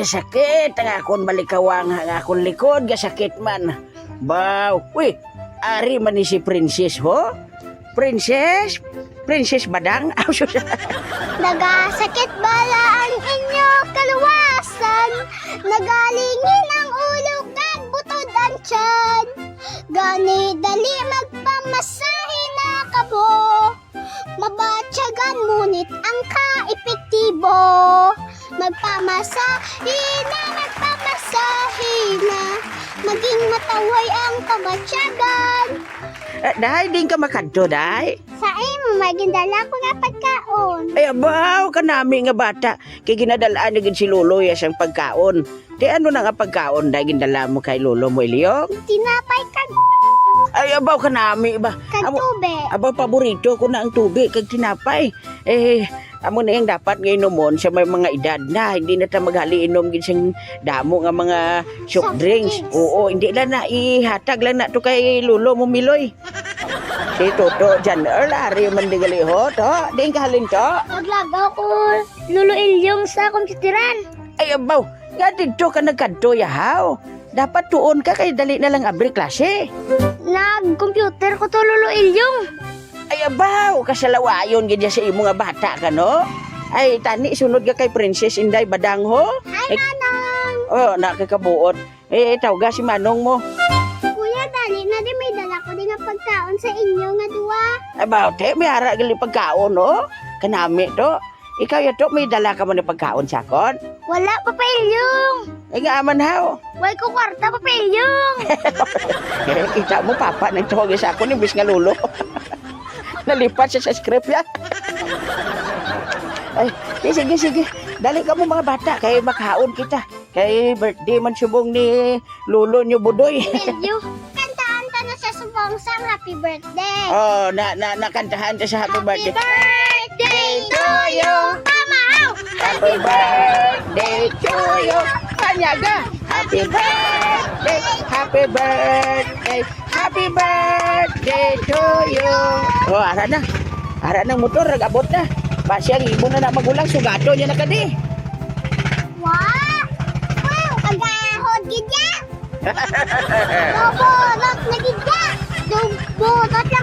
sakit ang akong balikawang ang akong likod gasakit man. Baw, uy, ari man ni si Princess ho? Princess? Princess Badang? Nagasakit bala ang inyo kaluwasan. Nagalingin ang ulo kag butod ang tiyan. Gani dali magpamasahe na kabo. Mabatyagan ngunit ang ka-epektibo. Magpamasahe na. Maging mataway ang pabatyagan. Dahay, din ka makanto, dahay? Sa imo, magindala ko nga pagkaon. Ay, abaw, kanami nga bata. Kay ginadalaan na gid si Lolo ya siyang pagkaon. Di ano na nga pagkaon, dahay gindala mo kay Lolo mo, Ilyong? Tinapay kag Ay, abaw, kanami ba? tubig. Abaw, paborito ko na ang tubig kag tinapay. Amo na yung dapat ngayon nomon sa may mga edad na. Hindi na ta maghali inom gid siyang damo nga mga soft drinks. Oo, hindi lang na ihatag lang na to kay Lolo mo, Miloy. Si Toto, dyan, lari man di gali ho, to. Di ka halin to. Naglagaw ko Lolo Ilyong sa kompyuteran. Ay, abaw, nga dito ka nagkanto, yahaw. Dapat tuon ka kay dali na lang abri klase. Nag-computer ko to Lolo Ilyong. Ay, abaw, kasalawayon gid sa imo nga bata ka, no? Ay, tani, sunod ka kay Princess Inday Badang ho. Ay, Manong! Oh, nakakabuot. Tawga si Manong mo. Kuya, dali na di may dala ko di nga pagkaon sa inyo nga duwa. Abaw, te, may hara gali pagkaon, no? Kanami to. Ikaw yato, may dala ka mo na pagkaon sakon? Wala, Papa Ilyong. Ay, nga aman haw. Wala ko kwarta, Papa Ilyong. Kita mo, papa, nagtawag sa ako ni Bis nga Lolo. Nalipat siya sa script ya. Ay, sige. Dali ka mo mga bata, kay makaon kita. Kay birthday man subong ni Lolo nyo Budoy. Ilyo, kantaan ta na sa subong sang happy birthday. Oh, nakantahan ta sa happy birthday. Birthday to you. Pamaw! Happy birthday to you. Kanyaga. Happy birthday. Happy birthday. Happy birthday to you. Oh, ara na. Ara ng motor, nag-abot na. Basi ang ibon na magulang, sugato niya na kadi. Wow! Wow! Kagahod gidya! Bobo, lot na gidya! Bobo, lot